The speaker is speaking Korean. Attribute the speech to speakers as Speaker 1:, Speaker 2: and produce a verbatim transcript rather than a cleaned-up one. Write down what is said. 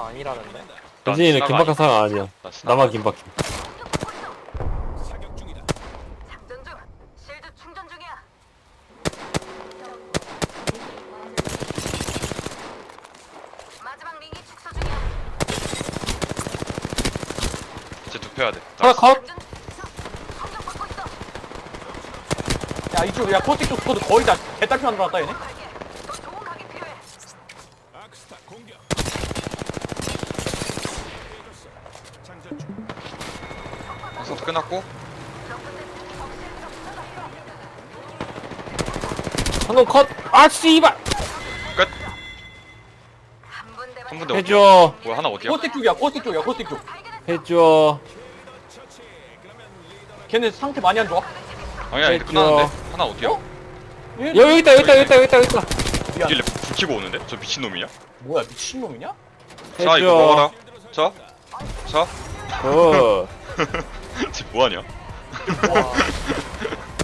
Speaker 1: 아니라는데?
Speaker 2: 난
Speaker 3: 현진이는
Speaker 2: 스나가
Speaker 3: 긴박한 사람 아니야.
Speaker 2: 나 스나.
Speaker 3: 나만 긴박해.
Speaker 4: 사격 중이다.
Speaker 5: 장전 중. 실드 충전 중이야. 마지막 링이 축소 중이야.
Speaker 2: 이제 눕혀야 돼.
Speaker 3: 하나 컷!
Speaker 5: 장전. 공격받고 있어.
Speaker 1: 야 이쪽 야 코스틱 쪽 스쿼드 거의 다 개딸피 만들어놨다 얘네?
Speaker 5: 갈게. 더 좋은 각이 필요해.
Speaker 4: 아크스타 공격. 깨졌어. 장전 중.
Speaker 2: 방송도 끝났고
Speaker 3: 한놈 컷! 아, 씨발!
Speaker 2: 끝.
Speaker 5: 한 분대
Speaker 2: 한 분대 어디야?
Speaker 3: 해줘.
Speaker 2: 뭐야 하나 어디야?
Speaker 1: 코스틱 쪽이야 코스틱 쪽이야 코스틱 쪽.
Speaker 3: 해줘.
Speaker 4: 처치. 그러면 리더는
Speaker 1: 걔네 상태 많이 안 좋아?
Speaker 2: 아니야 이제
Speaker 3: 해줘.
Speaker 2: 끝났는데 하나 어디야?
Speaker 1: 어? 얘
Speaker 3: 여, 여기 있다, 여기 있다, 여기 있다, 여기 있다, 여기 있다.
Speaker 1: 미안.
Speaker 2: 길래 불 켜고 오는데? 저 미친놈이냐?
Speaker 1: 뭐야 미친놈이냐?
Speaker 2: 자 이거 먹어라. 자. 자.
Speaker 3: 어.
Speaker 2: 지금 뭐하냐?
Speaker 1: 와